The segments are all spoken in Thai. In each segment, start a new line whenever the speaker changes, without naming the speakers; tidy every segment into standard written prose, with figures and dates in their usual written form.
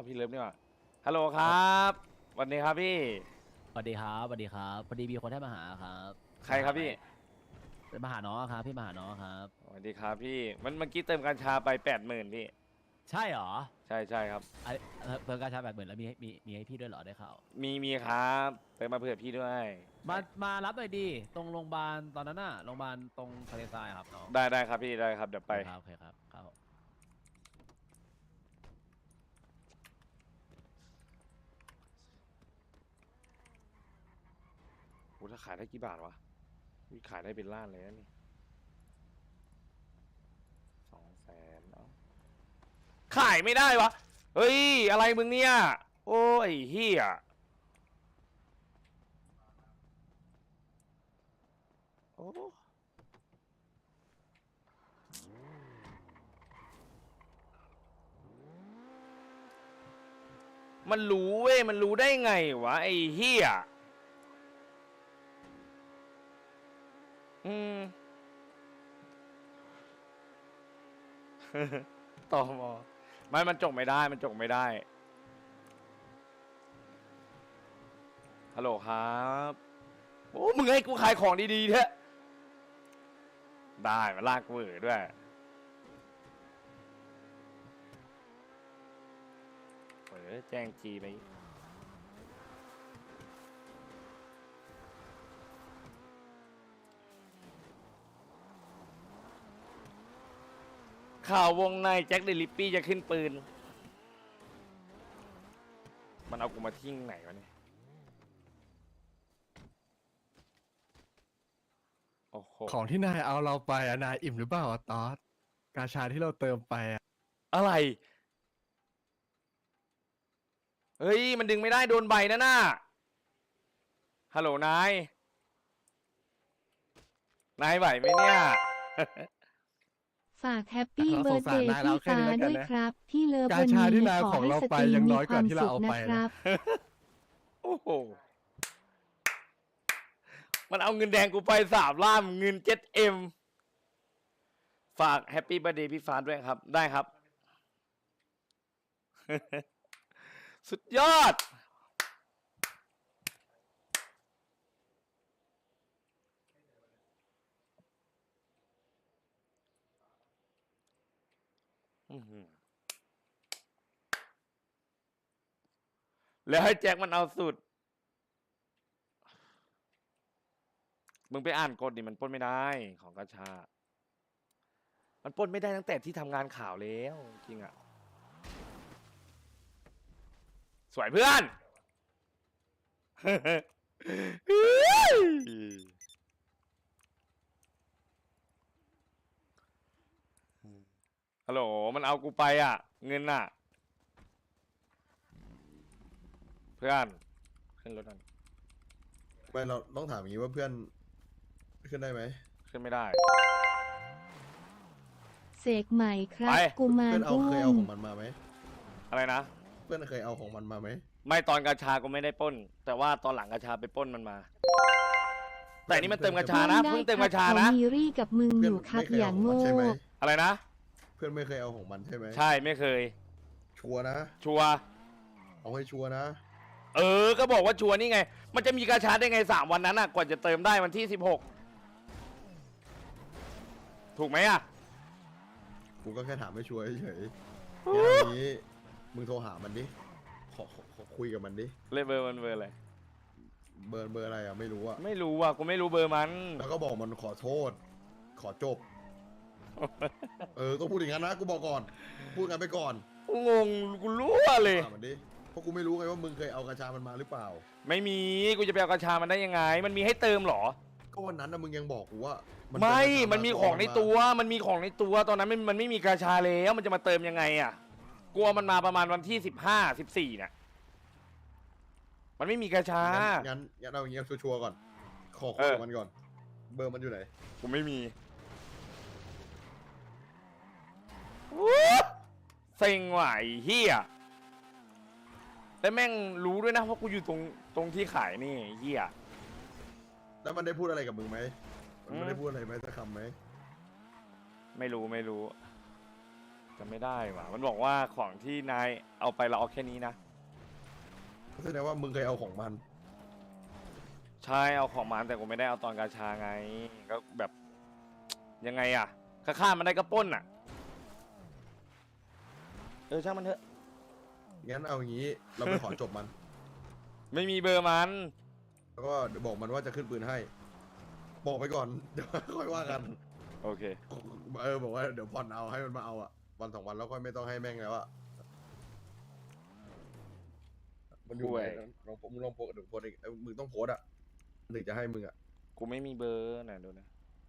พี่เลิฟนี่หว่าฮัลโหลครับสวัสดีครับพี่
สวัสดีครับสวัสดีครับพอดีมีคนให้มาหาครับ
ใครครับพี่
มาหาน้องครับพี่มาหาน้องครับ
สวัสดีครับพี่มันเมื่อกี้เติมกัญชาไป80,000พี่
ใช่เหรอ
ใช่ครับ
ไอเพิ่มการชาร์จ80,000แล้วมีให้พี่ด้วยเหรอได้ข่าว
มีครับเติมมาเผื่อพี่ด้วย
มารับหน่อยดิตรงโรงพยาบาลตอนนั้นน่ะโรงพยาบาลตรงทะเลทรายครับน้อง
ได้ครับพี่ได้ครับเดี๋ยวไป
ครับโอเคครับครับ
โอ้ถ้าขายได้กี่บาทวะวิขายได้เป็นล้านเลยนะนี่200,000เนาะขายไม่ได้วะเฮ้ยอะไรมึงเนี่ยโอ้ยเฮียโอ้มันรู้เว้ยมันรู้ได้ไงวะไอ้เฮียอืม ตอมอมันจกไม่ได้มันจกไม่ได้ฮัลโหลครับโอ้มึงให้กูขายของดีๆเถอะได้มาลากกูเอ๋ด้วยแจ้งจีไปข่าววงในแจ็คเดลิปปี้จะขึ้นปืนมันเอากูมาทิ้งไหนวะเนี่ยโอ้โห
ของที่นายเอาเราไปอะนายอิ่มหรือเปล่าอะตอสกาชาที่เราเติมไปอะ
อะไรเฮ้ยมันดึงไม่ได้โดนใบนะน่ะฮัลโหลนายไหวไหมเนี่ย
ฝากแฮปปี้
เรา
เบิ
ส
ร์
ง
ด
สา
เด
ร
ย์
นายเรา
พี่
แค่
ฟ้า
นี้แล้วกัน
ด้วย
นะ
ครับ พี่เลิฟ
กา
วัน
ชาที่
นี้
นาย
ขอ
ของ
ให้
เรา
ส
ไป
ตรีม
ยัง
มี
น้อย
ค
กว่าว
าม
ที่เรา
สุข
เอา
นะ
ไป
ค
นะ
รับ
โอ้โหมันเอาเงินแดงกูไป3 ล้านเงิน 7M ฝากแฮปปี้เบ t ร์ a เดย์พี่ฟ้าด้วยครับ ได้ครับ สุดยอด อื้อหือแล้วให้แจ็คมันเอาสุด มึงไปอ่านกฎดิมันปล้นไม่ได้ของกาชา มันปล้นไม่ได้ตั้งแต่ที่ทำงานข่าวแล้วจริงอะสวยเพื่อน ฮัลโหลมันเอากูไปอ่ะ เงินอ่ะ เพื่อนขึ้นรถนั่น
ไม่เราต้องถามอย่างนี้ว่าเพื่อนขึ้นได้ไหม
ขึ้นไม่ได้
เสกใหม่ครับ
ไป
กุมา
เพื่
ร
อนเอา
อุ้
เคยเอา
ม
ของมันมาไหม
อะไรนะ
เพื่อนเคยเอาของมันมาไหม
ไม่ตอนกาชาก็ไม่ได้ปล้น แต่ว่าตอนหลังกาชาไปปล้นมันมา แต่นี่มันเติมกาชานะเพิ่งเติมกาชานะ
เขมีรี่กับมึง
เพื่
อยู่ครับ
ไม่เคย
อย่า
เอา
ง
ของมัน
โง่
ใช่ไหม
อะไรนะ
เพื่อนไม่เคยเอาของมันใช่ไหม
ใช่ไม่เคย
ชัวร์นะ
ชัวร์
เอาให้ชัวร์นะ
ก็บอกว่าชัวร์นี่ไง มันจะมีกาชาได้ไง3 วันนั้นอ่ะกว่าจะเติมได้วันที่16ถูกไหมอ่ะ
กูก็แค่ถามให้ชัวร์เฉยๆอย่างนี้มึงโทรหามันดิขอคุยกับมันดิ
เลเบอร์มันเบอร์อะไร
เบอร์อะไรอ่ะไม่รู้อ่ะ
ไม่รู้อ่ะกูไม่รู้เบอร์มัน
แล้วก็บอกมันขอโทษ ขอจบ ต้องพูดอย่างนั้นนะกูบอกก่อน พูดกันไปก่อน
กูงงกูรู้เลย
ถามมันดิเพราะกูไม่รู้ไงว่ามึงเคยเอากระชามันมาหรือเปล่า
ไม่มีกูจะไปเอากาชามันได้ยังไง มันมีให้เติมเหรอ
ก็วันนั้นนะมึงยังบอกกูว่ามั
ไม่
เป็
มันมีของในตัว มันมีของในตัว ตอนนั้นมันไม่มีกาชาแล้ว มันจะมาเติมยังไงอ่ะ กลัวมันมาประมาณวันที่15 14เนี่ยมันไม่มีกาชา
งั้นเอาอย่างเงี้ยชัวร์ๆก่อน ขอคุยกับมันก่อน เบอร์มันอยู่ไหน
กูไม่มีเซ็งว่ะไอ้เฮียแล้วแม่งรู้ด้วยนะว่ากูอยู่ตรงที่ขายนี่ไอ้เฮีย
แล้วมันได้พูดอะไรกับมึงไหม
อืม
มันได้พูดอะไรไหมสักคำไหม
ไม่รู้จะไม่ได้ว่ะมันบอกว่าของที่นายเอาไปเราเอาแค่นี้นะ
แสดงว่ามึงเคยเอาของมัน
ใช่เอาของมันแต่กูไม่ได้เอาตอนกาชาไงก็แบบยังไงอะฆ่ามันได้ก็ปล้นอะช่างมันเถอะ
งั้นเอาอย่างนี้เราไปขอจบมัน
ไม่มีเบอร์มัน
แล้วก็บอกมันว่าจะขึ้นปืนให้ บอกไปก่อน เดี๋ยวค่อยว่ากัน
โอเค
บอกว่าเดี๋ยวผ่อนเอาให้มันมาเอาอะวันสองวันแล้วค่อยไม่ต้องให้แม่งแล้วอะมันอยู่ไหนมึงลองโพสเดี๋ยวโพสเองมึงต้องโพสอะถึงจะให้มึงอะ
กูไม่มีเบอร์ไหนดูนะ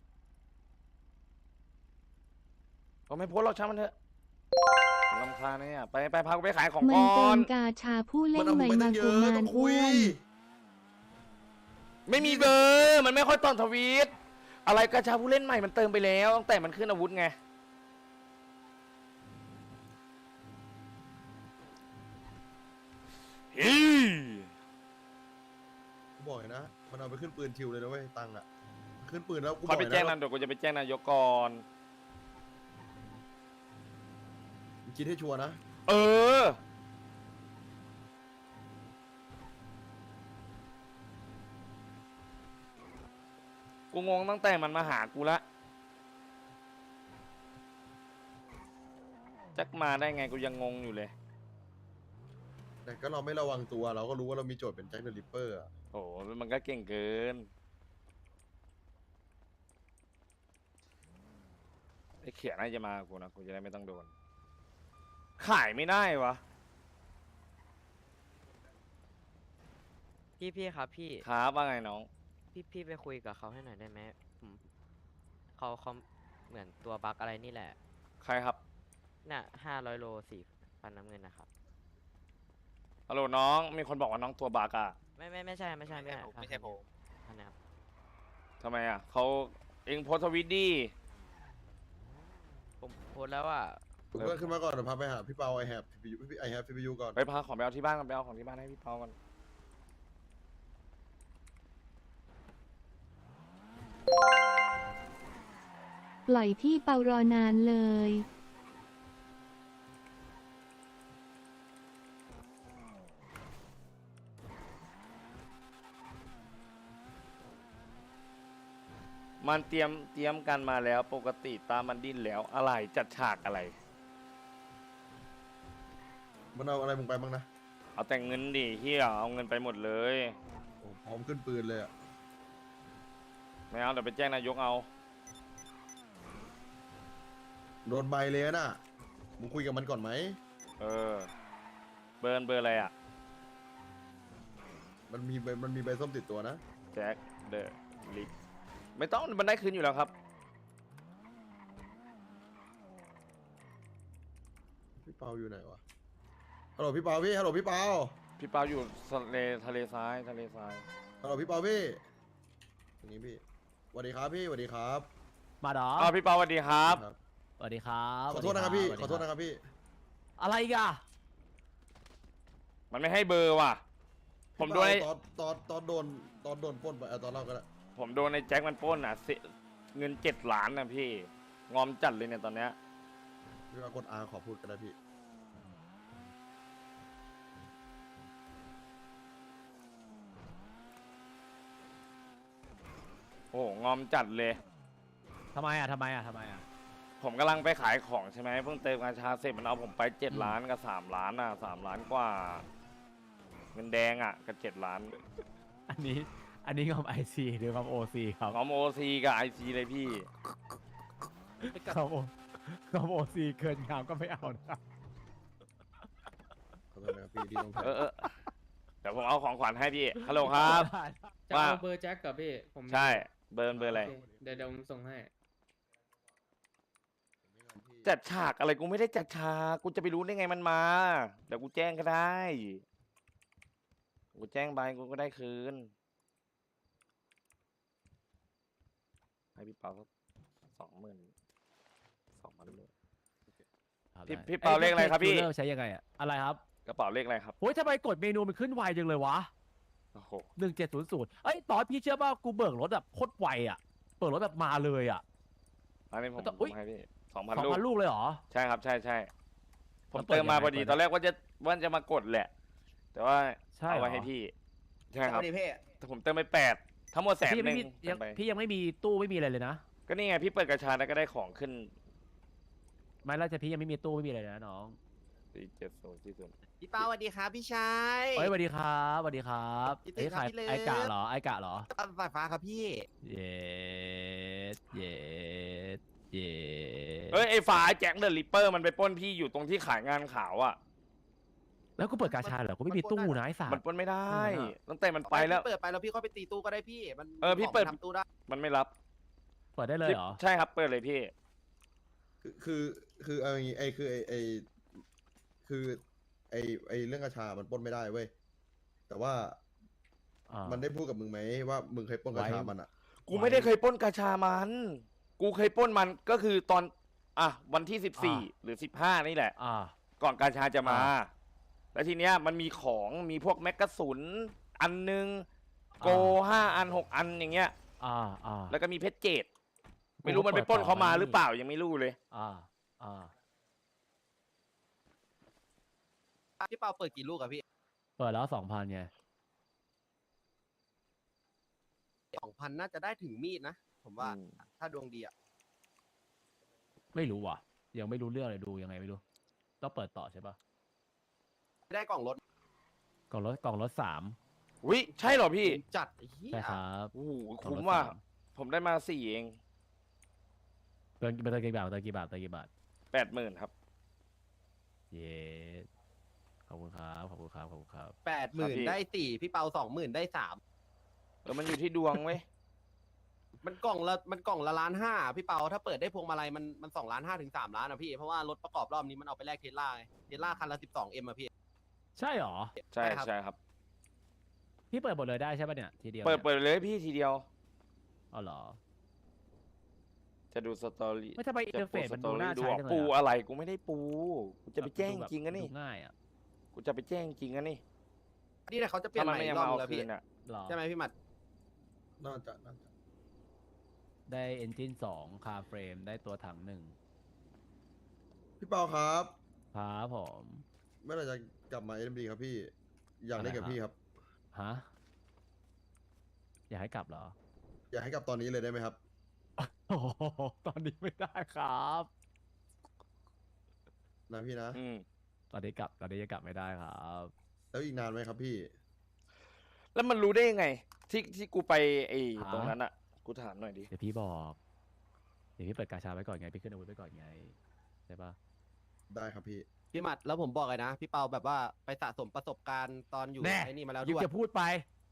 ก็ไม่โพสต์หรอกช่างมันเถอะรำคาญเนี่ยไปพากูไปขายของ
มัน
ก่อ
เติ
น
มกาชาผู้เล่
มัน นเอา
ให
มึ
ม่
งไป
มา
ตั้งเย
กุ
อะ
มาร
ต้อง
อ้
คุ
วย น
ไม่มีเบอร์มันไม่ค่อยตอนทวีตอะไรกระชาผู้เล่นใหม่มันเติมไปแล้วตั้งแต่มันขึ้นอาวุธไงอี
กูบอกเลยนะ มันเอาไปขึ้นปืนชิวเลยนะเว้ยตังค์อะขึ้นปืนแล้วกูบ
เขา
อก
ไป
เลย
แจ้ง
นะ
นายเดี๋ยวกูจะไปแจ้งนายกก่อน
มึงคิดให้ชัวร์นะ
เออ กูงงตั้งแต่มันมาหากูละจักมาได้ไงกูยังงงอยู่เลย
แต่ก็เราไม่ระวังตัวเราก็รู้ว่าเรามีโจทย์เป็นแจ็คเดอะริปเปอร์อะ
โอ้มันก็เก่งเกินไอ้เขียน่าจะมากูนะกูจะได้ไม่ต้องโดน ขายไม่ได้วะ
พี่ครับพี่
ครับว่าไงน้อง
พี่ไปคุยกับเขาให้หน่อยได้ไหมผมเขาเหมือนตัวบั๊กอะไรนี่แหละ
ใครครับ
น่ะ500 โล4,000น้ำเงินนะครับ
ฮัลโหลน้อง มีคนบอกว่าน้องตัวบากอะ
ไม่ใช่ไม่ใช่ไม่ใช่ผมท่านนะครับ
ทำไมอะเขาเองโพสต์ทวิตดิ
ผมโพสต์แล้วว่า
มึงก็ขึ้นมาก่อนเดี๋ยวพาไปหาพี่เปาไอแฮปซีพียูก่อน
ไปพาของไปเอาที่บ้านกันไปเอาของที่บ้านให้พี่เปากัน
ปล่อยพี่เปารอนานเลย
มันเตรียมกันมาแล้วปกติตามมันดิ้นแล้วอะไรจัดฉากอะไร
มันเอาอะไรมึงไปบ้างนะ
เอาแต่เงินดิเฮียเอาเงินไปหมดเลย
โอ้พร้อมขึ้นปืนเลยอะ
ไม่เอาเดี๋ยวไปแจ้งนายกเอา
โดนใบเลยน่ะมึงคุยกับมันก่อนไหม
เออ เบอร์อะไรอะ
มันมีใบส้มติดตัวนะ
แจ็คเดอะลิกไม่ต้องมันได้คืนอยู่แล้วครับ
พี่เปาอยู่ไหนวะฮัลโหลพี่เปาพี่ฮัลโหลพี่เปา
พี่เปาอยู่ทะเลทราย
ฮัลโหลพี่เปาพี่อย่างนี้พี่สวัสดีครับพี่สวัสดีครับ
มาดอ
อ้าวพี่เปาสวัสดีครับ
ครับ
สวัสดีครับ
ขอโทษนะครับพี่
สวัสดี
ขอโทษนะครับพี่
อะไรอีกอะ
มันไม่ให้เบอร์ว่ะ ผมโดนไอ้
ตอนโดนปล้นไปตอนเล่ากันละ
ผมโดนไอ้แจ็คมันปล้นอ่ะเงิน7 ล้านนะพี่ งอมจัดเลยเนี่ยตอนเนี้ย
พี่ว่ากดอาขอพูดกันได้พี่
โอ้โหงอมจัดเลย
ทำไมอะ
ผมกำลังไปขายของใช่ไหมเพิ่งเติมกาชาเสร็จมันเอาผมไป7 ล้านกับ3 ล้านอ่ะ3 ล้านกว่า เงินแดงอ่ะกับ7 ล้าน
อันนี้งอมไอซีหรืองอมโอซีครับ
งอมโอซีกับไอซีเลยพี่
งอมโอซีเกินงามก็ไม่เอานะครับ
ขอโทษนะครับพี่ที่ต้อง
เออเดี๋ยวผมเอาของขวัญให้พี่ฮัลโหลครับ
จะ
ว่า
เอาเบอร์แจ็คกับพี่ผม
ใช่เบอร์อะไร
โอเคเดี๋ยวผมส่งให้
จัดฉากอะไรกูไม่ได้จัดฉากกูจะไปรู้ได้ไงมันมาเดี๋ยวกูแจ้งก็ได้กูแจ้งไปกูก็ได้คืนให้พี่เปาสัก22,000เลย พี่เปาเลขอะไรครับพี่
ใช้ยังไงอะอะไรครับ
กระเป๋าเลขอะไรครับ
โอ้ยทำไมกดเมนูมันขึ้นไวจังเลยวะ
โอ้โห
1700เอ้ยตอนพี่เชื่อป่ะกูเบิกรถแบบโคตรไวอะเบิกรถแบบมาเลยอะ
อันนี้ผม
อุ๊ย
ให้พี่ 2,000
2,000
ลูก
ลูกเลยเหรอ
ใช่ครับใช่ใช่ผม
แล้วเปิด
เติมมา
ยังไง
พอดี
เปิด
ตอนแรกว่าจะมากดแหละ แต่ว่า
ใช่
เอาไว้
เหรอ
ให้พี่ใช่ครับ
ดีเพ่
แต่ผมเติมไป8ทั้งหมด100,000
พี่ยังไม่มี
เติมไป
พี่ยังไม่มีตู้ไม่มีอะไรเลยนะ
ก็นี่ไงพี่เปิดกระชาแล้วก็ได้ของขึ้น
ไม่แล้วจะพี่ยังไม่มีตู้ไม่มีอะไรเลยนะน้อง
470
พี่เปาสวัสดีครับพี่ชาย
เฮ้ยสวัสดีครับสวัสดีครับ
พี่ติ๊ก
เฮ้ย
ครับพี่เลิฟ
ไอกะเหรอไอกะเหรอ
สายฟ้าครับพี่
เย็ดเย็ดเย็ด
เอ้ยไอ้ฝาแจ็คเดอะริปเปอร์มันไปปล้นพี่อยู่ตรงที่ขายงานขาวอ่ะ
แล้วกูเปิดกาชาเหรอกูไม่มีตู้นะไอ้สั
มัน
ส
ปล้นไม่ได้
อืม
ตั้งแต่มันไปแล้ว
พี่เปิดไปแล้วพี่ก็ไปตีตู้ก็ได้พี่มัน
พี่เปิด
ของมันทำตู้ได้
มันไม่รับ
เปิดได้เลยเหรอ
ใช่ครับเปิดเลยพี่
คือเอาอย่างงี้คือไอเรื่องกระชามันปล้นไม่ได้เว้ยแต่ว่า
อ่า
มันได้พูดกับมึงไหมว่ามึงเคยปล้นกระชามันอ่ะ
กูไม่ได้เคยปล้นกาชามัน กูเคยปล้นมันก็คือตอนวันที่14หรือ15นี่แหละ
อ่า
ก่อนกาชาจะมา
อ่า
แล้วทีเนี้ยมันมีของมีพวกแมกกาสุนอันนึงโก
อ่า
5 อัน 6 อันอย่างเงี้ย
อ่าอ่า
แล้วก็มีเพชรเจดไม่รู้มันไปปล้นเขามาหรือเปล่ายังไม่รู้เลย
อ่าอ่า
พี่เปาเปิดกี่ลูกอะพี่
เปิดแล้ว2,000ไง
2,000น่าจะได้ถึงมีดนะผมว่า
อืม
ถ้าดวงดีอะ
ไม่รู้ว่ะ ยังไม่รู้เรื่องเลยดูยังไงไม่รู้ต้องเปิดต่อใช่ปะ
ได้กล่องรถ
กล่องรถ3
วิใช่เหรอพี่
จัดไอ้เหี้ย
ใช่ครับ
โอ้โห
กล่อง
คุ้ม
รถ
ว่ะ
สาม
ผมได้มา4เอง
เติมกี่บาทเติมกี่บาทเติมกี่บาท
80,000ครับ
เย้ขอบคุณครับขอบคุณครับขอบคุณครับ
80,000ได้4พี่เปา20,000ได้3
มันอยู่ที่ดวงเว้ย
มันกล่องละ1,500,000พี่เปาถ้าเปิดได้พวงมาลัยมัน2,500,000ถึง3,000,000อะพี่เพราะว่ารถประกอบรอบนี้มันเอาไปแลกเทสลาไงเทสลาคันละ 12M อะพี่
ใช่เหรอ
ใช่
ใช่ครับ
ใช่ครับ
พี่เปิดหมดเลยได้ใช่ปะเนี่ยทีเดียว
เปิด
นี่ย
เลยพี่ทีเดียว
อ๋อเหรอ
จะดูสตอรี่
ไม่ทำไมอินเทอร์เฟซมันดูน่า
ดู
ใช้จังเลย
ปู
อะ
อะไรกูไม่ได้ปูกูจะไปแจ้ง
ดูแบบ
จริงกันนี่
ดูง่ายอ่ะ
กูจะไปแจ้งจริงกันนี่
นี่แหละเขาจะเปลี่ย
ถ้าน มัน
ใหม่
ไม่
อี
ยัง
กรอ
มา
บ
เอา
นึงแล้ว
คื
พี่
นอ่ะ
หรอ
ใช่ไหมพี่หมัด
น่าจะ
ได้เอนจิน2คาเฟรมได้ตัวถัง1
พี่เปาครับ
ครับผม
เมื่อไหร่จะกลับมา SMD ครับพี่ อยากเล่นกับพี่ครับ
ฮะอยากให้กลับเหรอ
อยากให้กลับตอนนี้เลยได้ไหมครับ
โอ้โหตอนนี้ไม่ได้ครับ
นะพี่นะ
อืม
ตอนนี้ยังกลับไม่ได้ครับ
แล้วอีกนานไหมครับพี่
แล้วมันรู้ได้ยังไง ที่กูไปไอ้
ฮะ
ตรงนั้นอ่ะ กูถามหน่อยดิ
เดี๋ยวพี่บอกเดี๋ยวพี่เปิดกาชาไว้ก่อนไงพี่ขึ้นอาวุธไว้ก่อนไงใช่ปะ
ได้ครับพี่
พี่หมัดแล้วผมบอกเลยนะ พี่เปาแบบว่าไปสะสมประสบการณ์ตอนอยู่
แน่
ไอ้นี่มาแล้ว
ยิ่ง
ด้วย
จะพูดไป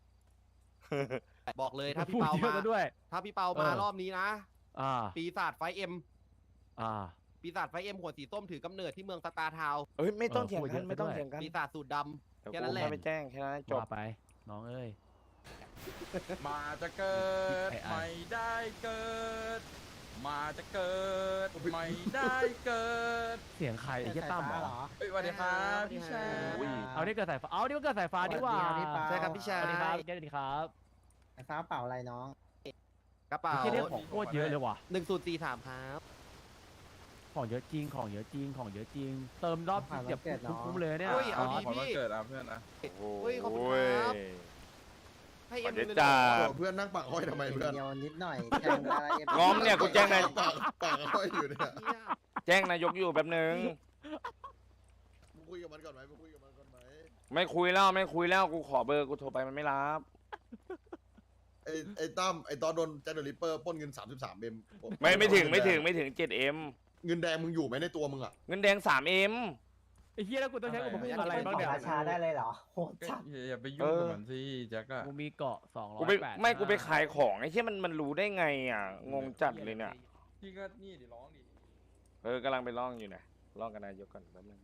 บอกเลยถ้า
พู
พี่
ด
เปา
เยอะ
มา
ซะด้วย
ถ้าพี่เปามา
เออ
รอบนี้นะ
อ่า
ปีศาจไฟเอ็ม
อ่า
ปีศาจไฟเอ็มหัวสีส้มถือกำเนิดที่เมืองสตาร์ทาวน์
เอ้ยไม่ต้อง
เออ
เถียง
พูดเย
กัน
อะ
ไม่ต้อง
ซะด้วย
เถียงกัน
ปีศาจสูตรด
เดี๋ยว
แค่
กู
นั้นแหละ
แค่ไปแจ้งแค่นั้นจบ
ว่าไป น้องเอ้ย
มาจะเกิด
ไอ้ไอ้
ไม่ได้เกิด มาจะเกิดไม่ได้เกิด
เสียงใครไอ้เหี้ยตั้มเหรอ
เฮ้ยสวัสดีครับพี่ชาย
อุ้ย
เอานี่เกิดสายฟ้าเอานี่มันเกิดสายฟ้าดีกว่า
ำใช่ครับพี่ชา
สวัสดีครับ
ย
สวัสดีครับ
ไอ้ฟ้าเปล่าอะไรน้อง
กระเป๋า
ที่เรื่องของโคตรเยอะเลยว่ะ
1043ครับ
ของเยอะจริง ของเยอะจริง ของเยอะจริง เติมรอบ
ผ่านวัน
เจ็บ
เกิดน้อง
คุ้มๆเลยเนี่ย
เฮ้ยเอาดี
ขอวันเกิดอ่ะเพื่อนนะ
เฮ้ยขอบคุณครับ ให้เอ็ม
ขอบคุณ
เลย
จ้า
เหรอ
เพื่อนนั่งปากอ้อยทำไมเพื่อน
เดียวนิดหน่อยแทงอะไร
ง้อมเนี่ยกูแจ้งนาย
ปากอ้อยอยู่เนี่ย
เนี่ย
แจ้งนายกอยู่แป๊บนึง
มึงคุยกับมันก่อนไหมมึงคุยกับมันก่อนไหม
ไม่คุยแล้วกูขอเบอร์กูโทรไปมันไม่รับ
ไอ้ตั้มไอ้ตอนโดนแจ็คเดอะริปเปอร์ปล้นเงิน33เอ็ม
ไม่ถึง 7M
เงินแดงมึงอยู่ไหมในตัวมึงอ่ะ
เงินแดง 3M
ไอ้เหี้ยแล้วกูต้องใช้อุปกรณ์อะไรบ้าง
ขอ
เนี่ย
ราชาได้เลยเหรอโหด
ก็
จัด
อย่าไปยุ่งกับมันสิแจ็คอะ
กูมีเกาะ200
กูไปขายของไอ้ที่มันรู้ได้ไงอ่ะงงจัดเลยเนี่ย
พี่ก็นี่ดิร้องดิ
กำลังไปร้องอยู่นะร้องกับนายกก่อนแป๊บนึง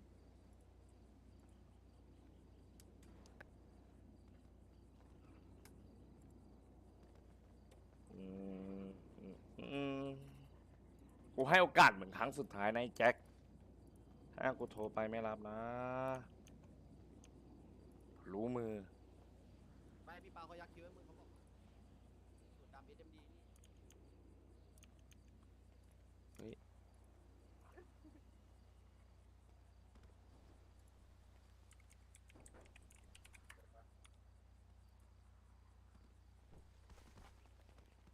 อืมอืมกูให้โอกาสเหมือนครั้งสุดท้ายนะไอ้แจ็คถ้ากูโทรไปไม่รับนะ รู้มือ
ไม่พี่เปาเขายักคิ้วให้มึงเขาบอกสูตรดำ SMD นี่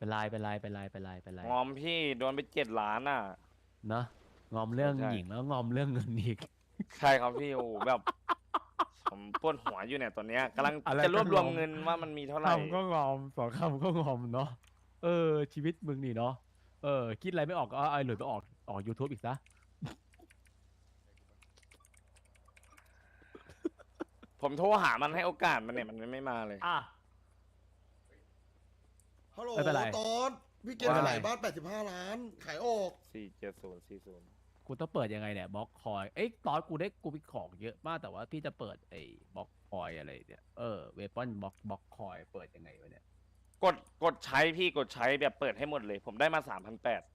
เป็นไรเป็นไรเป็นไรเป็นไรเป็นไร
งอมพี่โดนไป7 ล้านอ่ะ
เนอะงอมเรื่อง
ใช่
หญิงแล้วงอมเรื่องเงินอีก
ใช่ครับพี่โอ้โหแบบ ผมปวดหัวอยู่เนี่ยตอนเนี้ยกำลัง
อะไร
จะรวบรวม
ก็งอม
เงินว่ามันมีเท่าไหร่
คำก็งอมสองคำก็งอมเนาะชีวิตมึงนี่เนาะคิดอะไรไม่ออกก็เอาไอ้หลุยไปออก YouTube อีกซะ
ผมโทรหามันให้โอกาสมันเนี่ยมันไม่มาเลย
อ่ะ
ฮัลโหล
ไม่เป็นไร
ตอนพี่เกณฑ์
ว่า
ขายบ้าน85 ล้าน ขายออก
47040
กูต้องเปิดยังไงเนี่ยบล็อกคอยตอนกูมีของเยอะมากแต่ว่าพี่จะเปิดไอ้บล็อกคอยอะไรเนี่ยเวปอนบล็อกคอยเปิดยังไงวะเนี่ย
กดใช้พี่กดใช้แบบเปิดให้หมดเลย ผมได้มา 3,800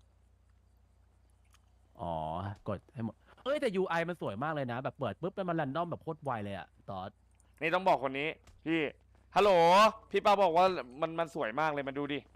อ๋อกดให้หมดแต่ UI มันสวยมากเลยนะ แบบเปิดปุ๊บมันแรนดอมแบบโคตรไวเลยอะตอน
นี่ต้องบอกคนนี้ พี่ฮัลโหลพี่ป้าบอกว่ามันสวยมากเลยมาดูดิ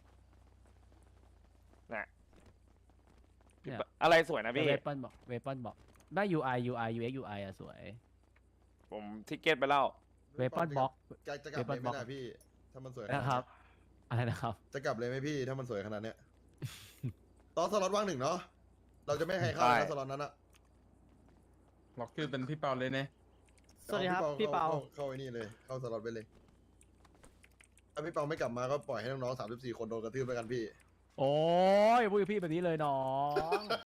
นะพี่
เนี่ย
ป้าอะไรสวยนะพี่
เวปอนบอกได้ UI UX UI อะสวย
ผมทิกเก็ตไปแล้ว
เวปอนบล็อก
จะกลับเลยไหม
Weapon
นะพี่ ถ้ามันสวยขนาด
นะ
เนี้ย
ครับ อะไรนะครับ
จะกลับเลยไหมพี่ ถ้ามันสวยขนาดเนี้ย ตอนสล็อตว่าง1เนาะ เราจะไม่ให้เข้า
ใช่
นะสล็อตนั้นอะ
ล็อกชื่อเป็นพี่เปาเลยเนี่ย
สวัสดีครับพี่เปา
เข้าไอ้นี่เลย เข้าสล็อตไปเลย ถ้าพี่เปาไม่กลับมาก็ปล่อยให้น้องๆ34 คนโดนกระทืบไปกันพี่
โอ้ยพูดกับพี่แบบนี้เลยน้อง